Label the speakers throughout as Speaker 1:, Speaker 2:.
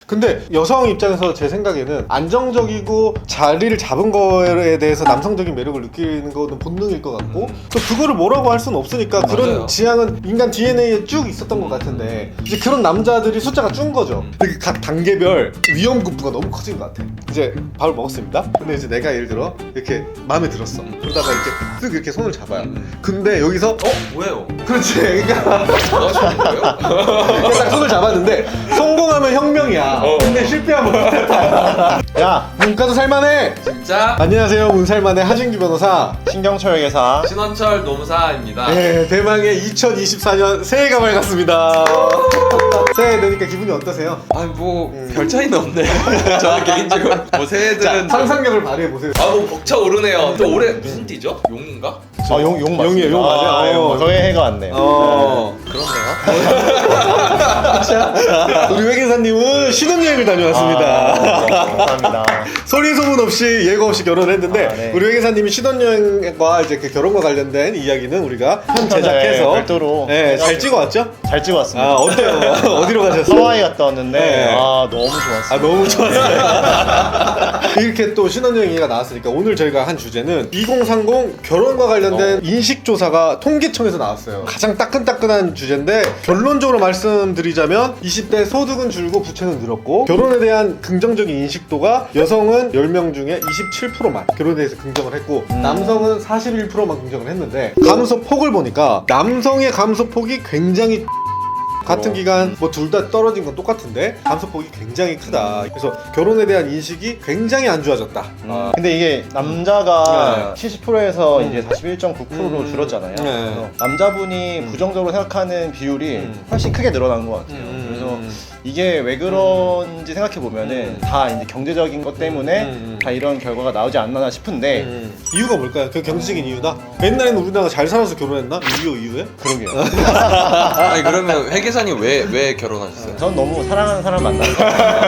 Speaker 1: 근데 여성 입장에서 제 생각에는 안정적이고 자리를 잡은 거에 대해서 남성적인 매력을 느끼는 거는 본능일 것 같고 또 그거를 뭐라고 할 수는 없으니까 그런
Speaker 2: 맞아요.
Speaker 1: 지향은 인간 DNA에 쭉 있었던 것 같은데 이제 그런 남자들이 숫자가 준 거죠. 근데 각 단계별 위험급부가 너무 커진 것 같아. 이제 밥을 먹었습니다. 근데 이제 내가 예를 들어 이렇게 마음에 들었어. 그러다가 이렇게 쓱 이렇게 손을 잡아요. 근데 여기서
Speaker 2: 뭐예요?
Speaker 1: 그렇지. 그러니까
Speaker 2: 좋아하시는 거예요?
Speaker 1: 딱 손을 잡았는데 성공하면 혁명이야. 근데 실패하면 못했다. 야, 문과도 살만해.
Speaker 2: 진짜
Speaker 1: 안녕하세요, 문살만의 하진규 변호사.
Speaker 3: 신경철 회사.
Speaker 2: 신원철 노무사입니다.
Speaker 1: 네, 대망의 2024년 새해가 밝았습니다. 새해 되니까 기분이 어떠세요?
Speaker 2: 아니 뭐 별 차이는 없네. 저는 개인적으로 뭐
Speaker 1: 자,
Speaker 2: 새해들은
Speaker 1: 상상력을 발휘해 보세요.
Speaker 2: 아뭐 벅차오르네요. 또 올해 무슨 띠죠? 용인가?
Speaker 3: 용 맞습니다.
Speaker 1: 용이에요, 용 맞아요.
Speaker 3: 용. 저의 해가 왔네요.
Speaker 2: 그렇네요.
Speaker 1: 우리 회계사님은 신혼여행을 다녀왔습니다.
Speaker 3: 감사합니다.
Speaker 1: 소리 소문 없이 예고 없이 결혼을 했는데
Speaker 3: 네.
Speaker 1: 우리 회계사님이 신혼여행과 이제 그 결혼과 관련된 이야기는 우리가 편 제작해서
Speaker 3: 네, 별도로
Speaker 1: 네, 잘 찍어왔죠?
Speaker 3: 잘 찍어왔습니다.
Speaker 1: 아, 어때요? 어디로 가셨어요?
Speaker 3: 하와이 갔다 왔는데
Speaker 1: 네.
Speaker 3: 너무 좋았어요.
Speaker 1: 아, 너무 좋았어요. 이렇게 또 신혼여행 얘기가 나왔으니까 오늘 저희가 한 주제는 2030 결혼과 관련된 인식조사가 통계청에서 나왔어요. 가장 따끈따끈한 주제인데 결론적으로 말씀드리자면 20대 소득은 줄고 부채는 늘었고 결혼에 대한 긍정적인 인식도가 여성은 10명 중에 27%만 결혼에 대해서 긍정을 했고 남성은 41%만 긍정을 했는데 감소폭을 보니까 남성의 감소폭이 굉장히 같은 기간 뭐 둘 다 떨어진 건 똑같은데 감소폭이 굉장히 크다. 그래서 결혼에 대한 인식이 굉장히 안 좋아졌다.
Speaker 3: 근데 이게 남자가 70%에서 이제 41.9%로 줄었잖아요.
Speaker 1: 네.
Speaker 3: 그래서 남자분이 부정적으로 생각하는 비율이 훨씬 크게 늘어난 것 같아요. 그래서 이게 왜 그런지 생각해 보면은 다 이제 경제적인 것 때문에 다 이런 결과가 나오지 않나 싶은데
Speaker 1: 이유가 뭘까요? 그 경제적인 이유다? 옛날에는 우리나라가 잘 살아서 결혼했나? 6.25 이후에?
Speaker 3: 그러게요.
Speaker 2: 아니 그러면 회계사님 왜 결혼하셨어요?
Speaker 3: 전 너무 사랑하는 사람 만나서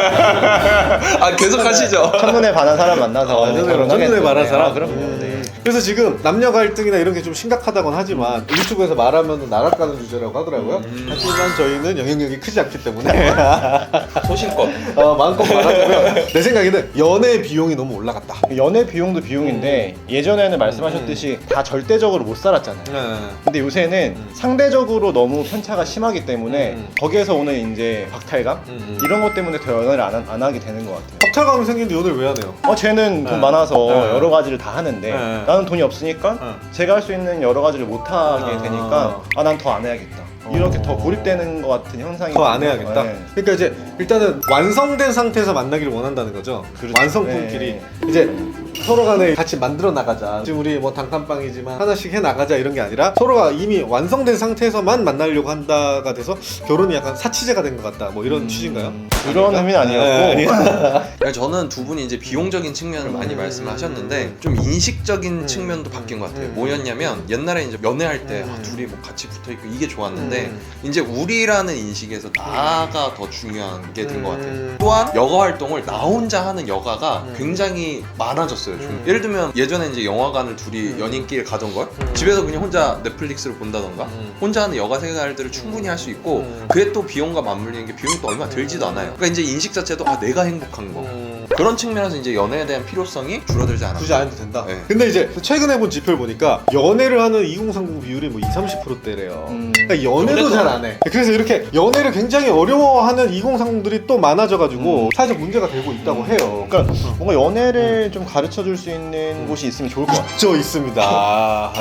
Speaker 2: 아 계속 하시죠.
Speaker 3: 첫눈에 반한 사람 만나서 결혼하겠는데.
Speaker 1: 첫눈에 반한 사람?
Speaker 3: 그럼요. 네.
Speaker 1: 그래서 지금 남녀 갈등이나 이런 게 좀 심각하다곤 하지만 유튜브에서 말하면 나락가는 주제라고 하더라고요. 하지만 저희는 영향력이 크지 않기 때문에
Speaker 2: 소신껏.
Speaker 1: 마음껏 말하자면 내 생각에는 연애 비용이 너무 올라갔다.
Speaker 3: 연애 비용도 비용인데 예전에는 말씀하셨듯이 다 절대적으로 못 살았잖아요. 근데 요새는 상대적으로 너무 편차가 심하기 때문에 거기에서 오는 이제 박탈감 이런 것 때문에 더 연애를 안 하게 되는 것 같아요.
Speaker 1: 박탈감이 생기는데 연애를 왜 하네요?
Speaker 3: 쟤는 돈
Speaker 1: 네.
Speaker 3: 많아서
Speaker 1: 네.
Speaker 3: 여러 가지를 다 하는데
Speaker 1: 네.
Speaker 3: 나는 돈이 없으니까 제가 할 수 있는 여러 가지를 못 하게 되니까 난 더 안 해야겠다. 이렇게 더 고립되는 것 같은 현상이
Speaker 1: 더 안 해야겠다.
Speaker 3: 네.
Speaker 1: 그러니까 이제 일단은 완성된 상태에서 만나기를 원한다는 거죠.
Speaker 3: 그렇죠.
Speaker 1: 완성품끼리
Speaker 3: 네.
Speaker 1: 이제 서로 간에 같이 만들어 나가자. 지금 우리 뭐 단칸방이지만 하나씩 해 나가자 이런 게 아니라 서로가 이미 완성된 상태에서만 만나려고 한다가 돼서 결혼이 약간 사치제가 된 것 같다. 뭐 이런 취지인가요?
Speaker 3: 그런 의미는 아니었고
Speaker 2: 그러니까 저는 두 분이 이제 비용적인 측면을 많이 말씀하셨는데 좀 인식적인 측면도 바뀐 것 같아요. 뭐였냐면 옛날에 이제 연애할 때 둘이 뭐 같이 붙어 있고 이게 좋았는데 이제 우리라는 인식에서 나가 더 중요한 게 된 것 같아요. 또한 여가 활동을 나 혼자 하는 여가가 굉장히 많아졌어요. 좀. 예를 들면 예전에 이제 영화관을 둘이 연인끼리 가던 걸 집에서 그냥 혼자 넷플릭스를 본다던가 혼자 하는 여가 생활들을 충분히 할 수 있고 그게 또 비용과 맞물리는 게 비용이 또 얼마 들지도 않아요. 그러니까 이제 인식 자체도 내가 행복한 거 그런 측면에서 이제 연애에 대한 필요성이 줄어들지 않았다.
Speaker 1: 굳이 안 해도 된다.
Speaker 2: 네.
Speaker 1: 근데 이제 최근에 본 지표를 보니까 연애를 하는 2030 비율이 뭐 20-30%대래요. 그러니까 연애도 잘 안 해. 그래서 이렇게 연애를 굉장히 어려워하는 2030들이 또 많아져가지고 사회적 문제가 되고 있다고 해요.
Speaker 3: 그러니까 뭔가 연애를 좀 가르쳐 줄 수 있는 곳이 있으면 좋을 것 같아요.
Speaker 1: 저 있습니다.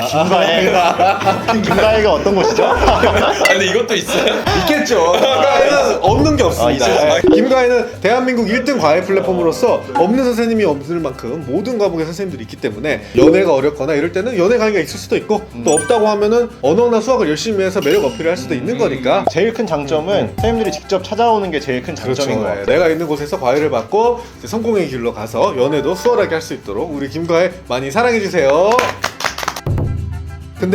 Speaker 3: 김가희가 어떤 곳이죠?
Speaker 2: 아 근데 이것도 있어요?
Speaker 1: 있겠죠. 김가희는 없는 게 없습니다.
Speaker 3: 있어요.
Speaker 1: 김가희는 대한민국 1등 과외 플랫폼으로서 없는 선생님이 없을 만큼 모든 과목의 선생님들이 있기 때문에 연애가 어렵거나 이럴 때는 연애 강의가 있을 수도 있고 또 없다고 하면은 언어나 수학을 열심히 해서 매력 어필을 할 수도 있는 거니까.
Speaker 3: 제일 큰 장점은 선생님들이 직접 찾아오는 게 제일 큰 장점인 것 같아요.
Speaker 1: 내가 있는 곳에서 과외를 받고 이제 성공의 길로 가서 연애도 수월하게 할 수 있도록 우리 김가희 많이 사랑해주세요. 근데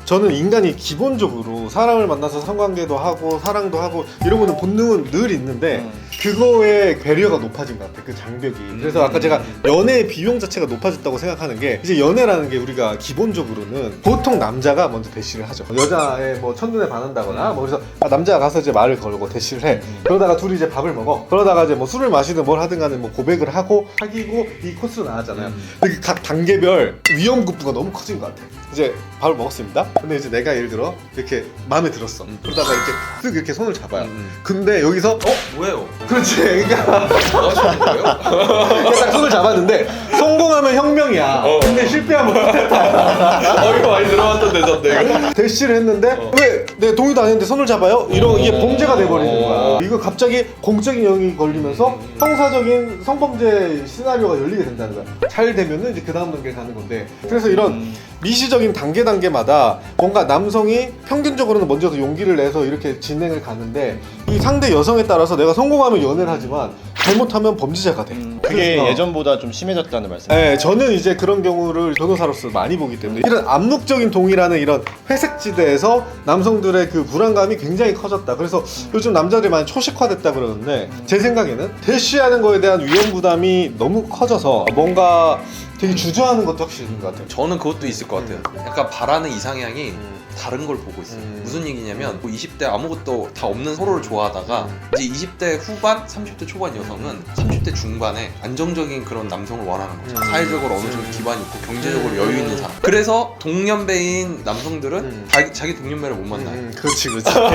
Speaker 1: 저는 인간이 기본적으로 사람을 만나서 성관계도 하고 사랑도 하고 이런 거는 본능은 늘 있는데 그거에 배려가 높아진 것 같아요. 그 장벽이. 그래서 아까 제가 연애의 비용 자체가 높아졌다고 생각하는 게 이제 연애라는 게 우리가 기본적으로는 보통 남자가 먼저 대시를 하죠. 여자의 뭐 첫눈에 반한다거나 뭐 그래서 남자가 가서 이제 말을 걸고 대시를 해. 그러다가 둘이 이제 밥을 먹어. 그러다가 이제 뭐 술을 마시든 뭘 하든 간에 뭐 고백을 하고 사귀고 이 코스로 나가잖아요. 근데 각 단계별 위험급부가 너무 커진 것 같아. 이제 밥을 먹었습니다. 근데 이제 내가 예를 들어 이렇게 마음에 들었어. 그러다가 이렇게 쓱 이렇게 손을 잡아요. 근데 여기서
Speaker 2: 뭐예요?
Speaker 1: 그렇지. 그러니까
Speaker 2: 좋아하시는 거예요?
Speaker 1: 딱 손을 잡았는데 성공하면 혁명이야. 근데 실패하면
Speaker 2: 이거 많이 들어봤던 대사인데.
Speaker 1: 대시를 했는데 왜 내 동의도 안 했는데 손을 잡아요? 이런 이게 범죄가 돼버리는 거야. 이거 갑자기 공적인 영역이 걸리면서 형사적인 성범죄 시나리오가 열리게 된다는 거야. 잘 되면은 이제 그 다음 단계 가는 건데 그래서 이런 미시적인 단계마다 뭔가 남성이 평균적으로는 먼저 그 용기를 내서 이렇게 진행을 가는데 이 상대 여성에 따라서 내가 성공하면 연애를 하지만 잘못하면 범죄자가 돼.
Speaker 3: 그게
Speaker 1: 그래서
Speaker 3: 예전보다 좀 심해졌다는 말씀.
Speaker 1: 네, 저는 이제 그런 경우를 변호사로서 많이 보기 때문에 이런 암묵적인 동의라는 이런 회색지대에서 남성들의 그 불안감이 굉장히 커졌다. 그래서 요즘 남자들이 많이 초식화됐다 그러는데 제 생각에는 대시하는 거에 대한 위험 부담이 너무 커져서 뭔가 되게 주저하는 것도 확실히 있는 것 같아요.
Speaker 2: 저는 그것도 있을 것 같아요. 약간 바라는 이상향이 다른 걸 보고 있어요. 무슨 얘기냐면 뭐 20대 아무것도 다 없는 서로를 좋아하다가 이제 20대 후반, 30대 초반 여성은 30대 중반에 안정적인 그런 남성을 원하는 거죠. 사회적으로 어느 정도 기반이 있고 경제적으로 여유 있는 사람. 그래서 동년배인 남성들은 자기 동년배를 못 만나요.
Speaker 1: 그렇지.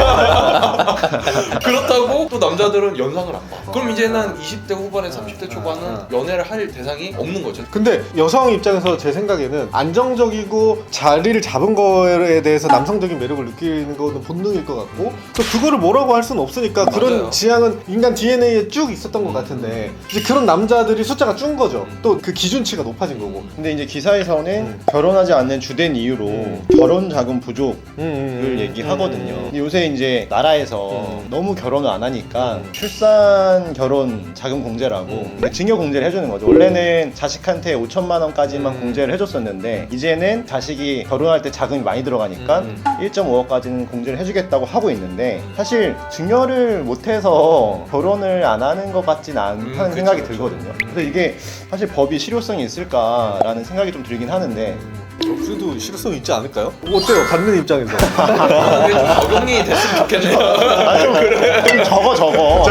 Speaker 2: 그렇다고 또 남자들은 연상을 안 봐. 그럼 이제는 20대 후반에 30대 초반은 연애를 할 대상이 없는 거죠.
Speaker 1: 근데 여성 입장에서 제 생각에는 안정적이고 자리를 잡은 거에 대해서 남성적인 매력을 느끼는 거는 본능일 것 같고 또 그거를 뭐라고 할 수는 없으니까 그런
Speaker 2: 맞아요.
Speaker 1: 지향은 인간 DNA에 쭉 있었던 것 같은데 이제 그런 남자들이 숫자가 준 거죠. 또 그 기준치가 높아진 거고.
Speaker 3: 근데 이제 기사에서는 결혼하지 않는 주된 이유로 결혼 자금 부족을 얘기하거든요. 근데 요새 이제 나라에서 너무 결혼을 안 하니까 출산 결혼 자금 공제라고 증여 공제를 해주는 거죠. 원래는 자식한테 5천만 원까지만 공제를 해줬었는데 이제는 자식이 결혼할 때 자금이 많이 들어가니까 1.5억까지는 공제를 해주겠다고 하고 있는데 사실 증여를 못해서 결혼을 안 하는 것 같진 않다는 생각이 들거든요. 그래서 이게 사실 법이 실효성이 있을까라는 생각이 좀 들긴 하는데
Speaker 1: 그래도 실효성 있지 않을까요? 어때요? 받는 입장에서.
Speaker 2: 그게 좀 적용이 됐으면 좋겠네요.
Speaker 3: 좀 적어.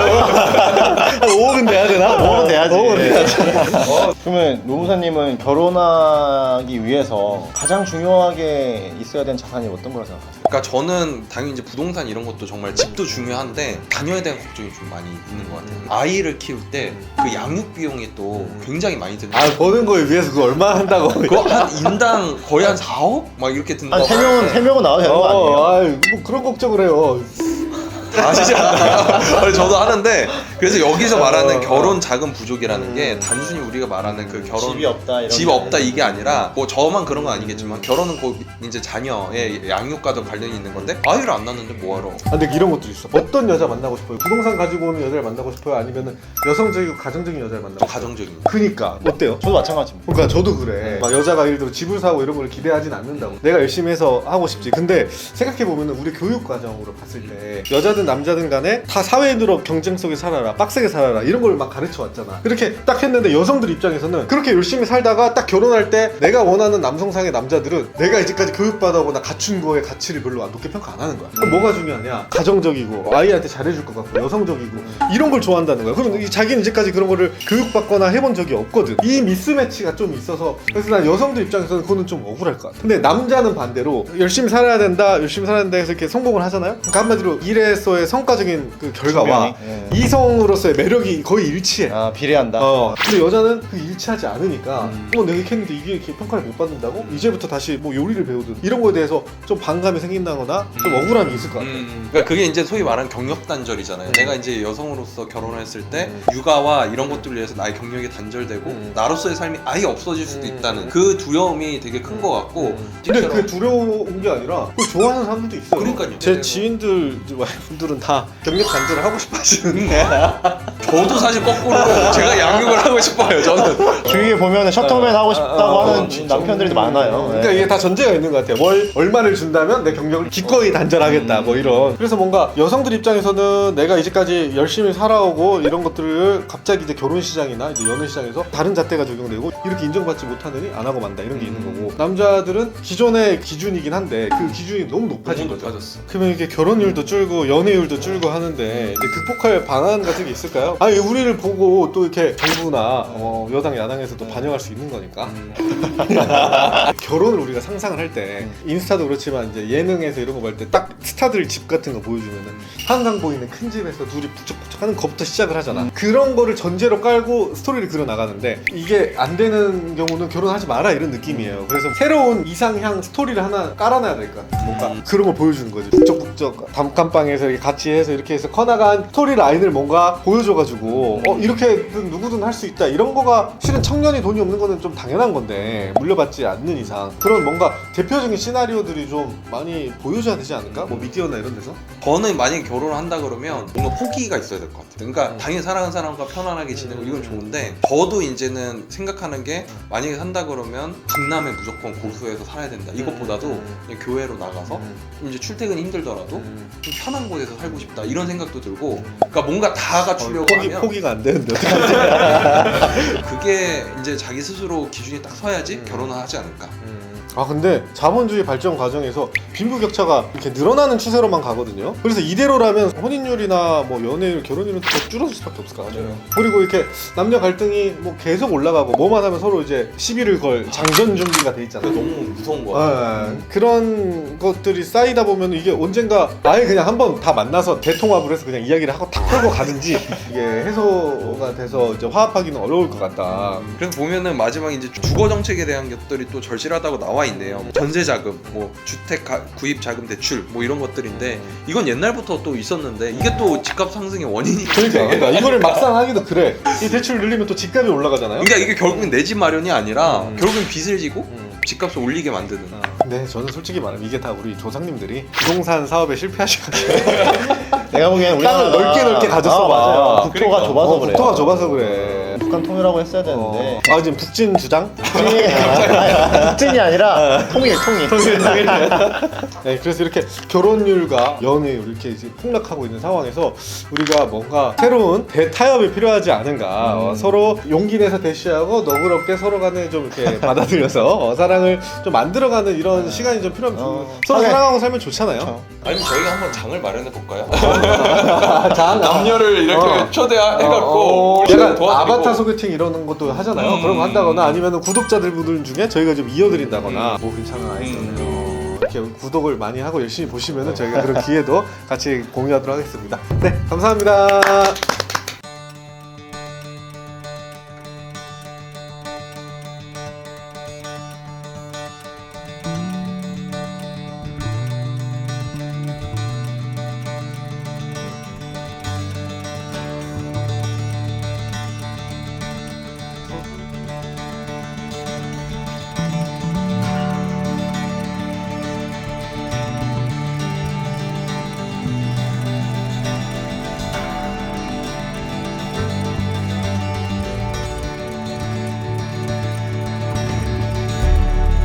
Speaker 1: 5억은 돼야 되나?
Speaker 3: 5억은 돼야지.
Speaker 1: 5억은 돼야지.
Speaker 3: 그러면 노무사님은 결혼하기 위해서 가장 중요하게 있어야 되는 자산이 어떤 거라고 생각하세요?
Speaker 2: 그러니까 저는 당연히 이제 부동산 이런 것도 정말 집도 중요한데 자녀에 대한 걱정이 좀 많이 있는 것 같아요. 아이를 키울 때 그 양육 비용이 또 굉장히 많이 드는
Speaker 1: 아 버는 거에 비해서 그거 얼마 한다고?
Speaker 2: 그거 한 인당 거의 한 4억? 막 이렇게 든다고
Speaker 3: 한 3명은 나와도 되는 거 아니에요?
Speaker 1: 아이, 뭐 그런 걱정을 해요.
Speaker 2: 다 아시지 않나요? 저도 하는데 그래서 여기서 말하는 결혼 자금 부족이라는 게 단순히 우리가 말하는 그 결혼
Speaker 3: 집이 없다 이런
Speaker 2: 집
Speaker 3: 게
Speaker 2: 없다
Speaker 3: 아니라.
Speaker 2: 이게 아니라 뭐 저만 그런 건 아니겠지만 결혼은 곧 이제 자녀의 양육과도 관련이 있는 건데 아이를 안 낳는데 뭐하러
Speaker 1: 아, 근데 이런 것도 있어. 어떤 여자 만나고 싶어요? 부동산 가지고 오는 여자를 만나고 싶어요? 아니면은 여성적이고 가정적인 여자를 만나고
Speaker 2: 좀
Speaker 1: 싶어요?
Speaker 2: 가정적인
Speaker 1: 그니까 어때요?
Speaker 3: 저도 마찬가지입니다.
Speaker 1: 그러니까 저도 그래. 막 여자가 예를 들어 집을 사고 이런 걸 기대하진 않는다고. 내가 열심히 해서 하고 싶지. 근데 생각해 보면은 우리 교육 과정으로 봤을 때 여자든 남자든 간에 다 사회인으로 경쟁 속에 살아라, 빡세게 살아라 이런 걸 막 가르쳐 왔잖아. 그렇게 딱 했는데 여성들 입장에서는 그렇게 열심히 살다가 딱 결혼할 때 내가 원하는 남성상의 남자들은 내가 이제까지 교육받아오거나 갖춘 거의 가치를 별로 높게 평가 안 하는 거야. 그럼 뭐가 중요하냐? 가정적이고 아이한테 잘해줄 것 같고 여성적이고 이런 걸 좋아한다는 거야. 그럼 자기는 이제까지 그런 거를 교육받거나 해본 적이 없거든. 이 미스매치가 좀 있어서 그래서 난 여성들 입장에서는 그거는 좀 억울할 것 같아. 근데 남자는 반대로 열심히 살아야 된다, 열심히 살아야 된다 해서 이렇게 성공을 하잖아요. 그러니까 한마디로 일에서의 성과적인 그 결과와
Speaker 3: 분명히.
Speaker 1: 이성으로서의 매력이 거의 일치해.
Speaker 3: 아 비례한다.
Speaker 1: 근데 여자는 그 일치하지 않으니까 내가 이렇게 했는데 이게 이렇게 평가를 못 받는다고? 이제부터 다시 뭐 요리를 배우든 이런 거에 대해서 좀 반감이 생긴다거나 좀 억울함이 있을 것 같아.
Speaker 2: 그러니까 그게 이제 소위 말하는 경력 단절이잖아요. 내가 이제 여성으로서 결혼을 했을 때 육아와 이런 것들을 위해서 나의 경력이 단절되고 나로서의 삶이 아예 없어질 수도 있다는 그 두려움이 되게 큰 것 같고
Speaker 1: 근데 그게 두려운 게 아니라 그걸 좋아하는 사람들도 있어요.
Speaker 2: 그러니까요.
Speaker 1: 제 지인들 이제 와이프들은 다 경력 단절을 하고 싶어 하시는데
Speaker 2: 저도 사실 거꾸로 제가 양육을 하고 싶어요. 저는.
Speaker 3: 주위에 보면은 셔터맨 하고 싶다고 하는 남편들도 많아요.
Speaker 1: 그러니까 이게 다 전제가 있는 것 같아요. 월 얼마를 준다면 내 경력을 기꺼이 단절하겠다 뭐 이런. 그래서 뭔가 여성들 입장에서는 내가 이제까지 열심히 살아오고 이런 것들을 갑자기 이제 결혼 시장이나 이제 연애 시장에서 다른 잣대가 적용되고 이렇게 인정받지 못하느니 안 하고 만다 이런 게 있는 거고, 남자들은 기존의 기준이긴 한데 그 기준이 너무 높아진 거죠.
Speaker 2: 높아졌어.
Speaker 1: 그러면 이게 결혼율도 줄고 연애율도 줄고 하는데 이제 극복할 방안 같은 게 있을까요? 아니 우리를 보고 또 이렇게 정부나 여당 야당에서 또 반영할 수 있는 거니까. 결혼을 우리가 상상을 할 때 인스타도 그렇지만 이제 예능에서 이런 거 볼 때 딱 스타들 집 같은 거 보여주면은 한강 보이는 큰 집에서 둘이 북적북적 하는 것부터 시작을 하잖아. 그런 거를 전제로 깔고 스토리를 그려 나가는데 이게 안 되는 경우는 결혼하지 마라 이런 느낌이에요. 그래서 새로운 이상향 스토리를 하나 깔아놔야 될 것 같아. 뭔가 그런 걸 보여주는 거지. 북적북적 단칸방에서 이렇게 같이 해서 이렇게 해서 커나간 스토리 라인을 뭔가 보여줘가지고 이렇게든 누구든 할 수 있다 이런 거가, 실은 청년이 돈이 없는 거는 좀 당연한 건데 물려받지 않는 이상 그런 뭔가 대표적인 시나리오들이 좀 많이 보여줘야 되지 않을까? 뭐 미디어나 이런 데서?
Speaker 2: 저는 만약에 결혼을 한다 그러면 뭔가 포기가 있어야 될 것 같아요. 그러니까 당연히 사랑하는 사람과 편안하게 지내고 이건 좋은데, 저도 이제는 생각하는 게 만약에 산다 그러면 강남에 무조건 고수해서 살아야 된다. 이것보다도 그냥 교회로 나가서 이제 출퇴근이 힘들더라도 좀 편한 곳에서 살고 싶다 이런 생각도 들고, 그러니까 뭔가 다 갖추려고 하면
Speaker 1: 포기가 안 되는데 어떡하지?
Speaker 2: 그게 이제 자기 스스로 기준이 딱 서야지 결혼을 하지 않을까.
Speaker 1: 아 근데 자본주의 발전 과정에서 빈부격차가 이렇게 늘어나는 추세로만 가거든요. 그래서 이대로라면 혼인율이나 뭐 연애율, 결혼율은 더 줄어들 수밖에 없을 것 같아요. 그리고 이렇게 남녀 갈등이 뭐 계속 올라가고 뭐만 하면 서로 이제 시비를 걸 장전 준비가 돼 있잖아요.
Speaker 2: 너무 무서운 거 같아요.
Speaker 1: 그런 것들이 쌓이다 보면 이게 언젠가 아예 그냥 한번 다 만나서 대통합을 해서 그냥 이야기를 하고 탁 풀고 가든지 이게 해소가 돼서 이제 화합하기는 어려울 것 같다.
Speaker 2: 그래서 보면은 마지막에 이제 주거 정책에 대한 것들이 또 절실하다고 나와 있네요. 전세 자금, 뭐 주택 구입 자금 대출, 뭐 이런 것들인데 이건 옛날부터 또 있었는데 이게 또 집값 상승의 원인이.
Speaker 1: 그러니까 이거를 막상 하기도 그래. 이 대출 늘리면 또 집값이 올라가잖아요.
Speaker 2: 그러니까 이게 결국은 내 집 마련이 아니라 결국은 빚을 지고 집값을 올리게 만드는.
Speaker 1: 네, 저는 솔직히 말하면 이게 다 우리 조상님들이 부동산 사업에 실패하셔가지고
Speaker 3: 내가 보기엔
Speaker 1: 땅을 넓게 가졌어.
Speaker 3: 맞아요. 국토가
Speaker 2: 그러니까.
Speaker 3: 좁아서 그래요.
Speaker 1: 국토가 좁아서 그래.
Speaker 3: 북한 통일하고 했어야 되는데.
Speaker 1: 지금 북진 주장?
Speaker 3: 북진이 아니라 통일.
Speaker 1: 네, 그래서 이렇게 결혼율과 연애율 이렇게 이제 폭락하고 있는 상황에서 우리가 뭔가 새로운 대타협이 필요하지 않은가. 서로 용기 내서 대시하고 너그럽게 서로 간에 좀 이렇게 받아들여서 사랑을 좀 만들어가는 이런 시간이 좀 필요합니다. 서로 사랑하고 살면 좋잖아요.
Speaker 2: 아니면 저희가 한번 장을 마련해 볼까요?
Speaker 1: 장?
Speaker 2: 남녀를 이렇게 초대해갖고
Speaker 1: 약간
Speaker 2: 도와드리고.
Speaker 1: 아바타 소개팅 이러는 것도 하잖아요. 그런 거 한다거나 아니면 구독자들 분들 중에 저희가 좀 이어드린다거나 뭐 괜찮은 아이디어네요. 이렇게 구독을 많이 하고 열심히 보시면은 저희가 그런 기회도 같이 공유하도록 하겠습니다. 네, 감사합니다.